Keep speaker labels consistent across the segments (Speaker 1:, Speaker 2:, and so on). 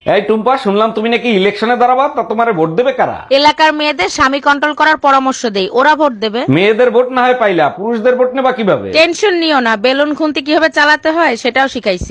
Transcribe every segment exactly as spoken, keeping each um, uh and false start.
Speaker 1: এই টুম্পা, শুনলাম তুমি নাকি ইলেকশনে দাঁড়াবা, তা তোমারে ভোট দেবে কারা?
Speaker 2: এলাকার মেয়েদের স্বামী কন্ট্রোল করার পরামর্শ দেই, ওরা ভোট দেবে।
Speaker 1: মেয়েদের ভোট না হয় পাইলা, পুরুষদের ভোট নেবা কিভাবে?
Speaker 2: টেনশন নিও না, বেলুন খুন্তি কিভাবে চালাতে হয় সেটাও শিখাইছি।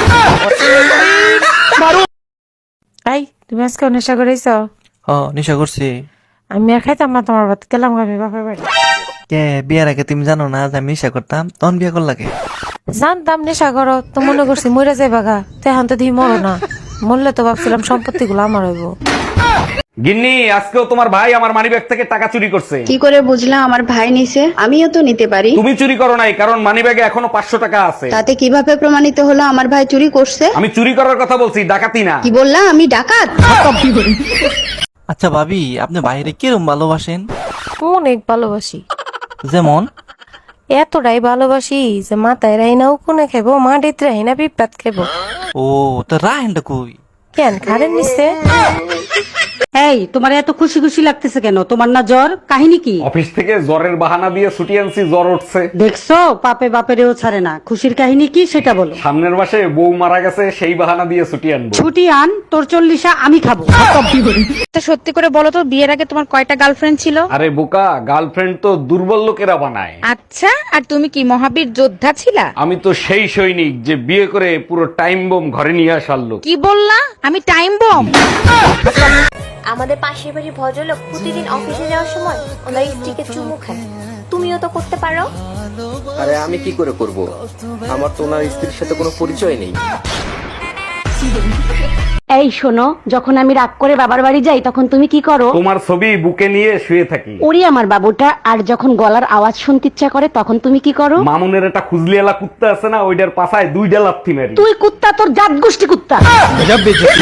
Speaker 3: এই তুমি আজকে নেশা করেছ?
Speaker 4: হ নেশা করছি।
Speaker 3: আমি আর খাইতাম না তোমার ভাত, গেলাম আমি বাপের বাড়ি।
Speaker 4: কে বিয়ার আগে তুমি জানো না যে আমি নেশা করতাম? তখন বিয়া কর লাগে।
Speaker 3: জানতাম নেশা করো তো মনে করছি মরে যাই বাগা, তো এখন তো দিই মরো না। মরলে তো ভাবছিলাম সম্পত্তি গুলো আমার হইব।
Speaker 1: গিন্নি, আজকেও তোমার ভাই আমার মানিব্যাগ থেকে টাকা চুরি করছে।
Speaker 5: কি করে বুঝলাম আমার ভাই নিছে? আমিও তো নিতে পারি।
Speaker 1: তুমি চুরি করো নাই, কারণ মানিব্যাগে এখনো পাঁচশো টাকা আছে।
Speaker 5: তাতে কিভাবে প্রমাণিত হলো আমার ভাই চুরি করছে?
Speaker 1: আমি চুরি করার কথা বলছি, ডাকাতি না।
Speaker 5: কি বললা? আমি ডাকাত?
Speaker 4: আচ্ছা ভাবি, আপনি বাইরে কিরম ভালোবাসেন?
Speaker 3: অনেক ভালোবাসি,
Speaker 4: যেমন
Speaker 3: এতটাই ভালোবাসি যে মাথায় রাইনা উকুনে খেবো, মাটিতে রাইনা পিঁপড়াত খেবো।
Speaker 4: ও তো রাহেনটা কই?
Speaker 3: কেন খারেন নিচ্ছে?
Speaker 6: এই তোমার এত খুশি খুশি লাগতেছে কেন? তোমার না জ্বর? কাহিনী কি?
Speaker 1: অফিস থেকে জ্বরের বাহানা দিয়ে ছুটি আনছি, জ্বর উঠছে।
Speaker 6: দেখছো পাপে বাপেরও ছাড়ে না। খুশির কাহিনী কি সেটা বলো।
Speaker 1: সামনের মাসে বউ মারা গেছে, সেই বাহানা দিয়ে ছুটি আনবো।
Speaker 6: ছুটি আন, তোর চল্লিশা আমি খাবো।
Speaker 2: তা সত্যি করে বলো তো, বিয়ের আগে তোমার কয়টা গার্লফ্রেন্ড ছিল?
Speaker 1: আরে বোকা, গার্লফ্রেন্ড তো দুর্বল লোকেরা বানায়।
Speaker 2: আচ্ছা, আর তুমি কি মহাবীর যোদ্ধা ছিলা?
Speaker 1: আমি তো সেই সৈনিক যে বিয়ে করে পুরো টাইম বোম ঘরে নিয়ে আসার লোক।
Speaker 2: কি বললা? আমি টাইম বম?
Speaker 7: আমাদের পাশের বাড়ির ভদ্রলোক প্রতিদিন অফিসে যাওয়ার সময় ওনার স্ত্রীকে চুমু খায়। তুমিও তো করতে পারো।
Speaker 8: আরে আমি কি করে করব? আমার তো ওনার স্ত্রীর সাথে কোনো পরিচয় নেই।
Speaker 6: এই শোনো, যখন আমি রাগ করে বাবার বাড়ি যাই তখন তুমি কি করো?
Speaker 1: তোমার ছবি বুকে নিয়ে শুয়ে থাকি।
Speaker 6: ওরে আমার বাবুটা। আর যখন গলার আওয়াজ শুনতে ইচ্ছা করে তখন তুমি কি করো?
Speaker 1: মামুনের একটা খুজলিয়ালা কুত্তা আছে না, ওইটার পাছায় দুইটা লাথি মারি।
Speaker 6: তুই কুত্তা, তোর জাত গোষ্ঠী কুত্তা।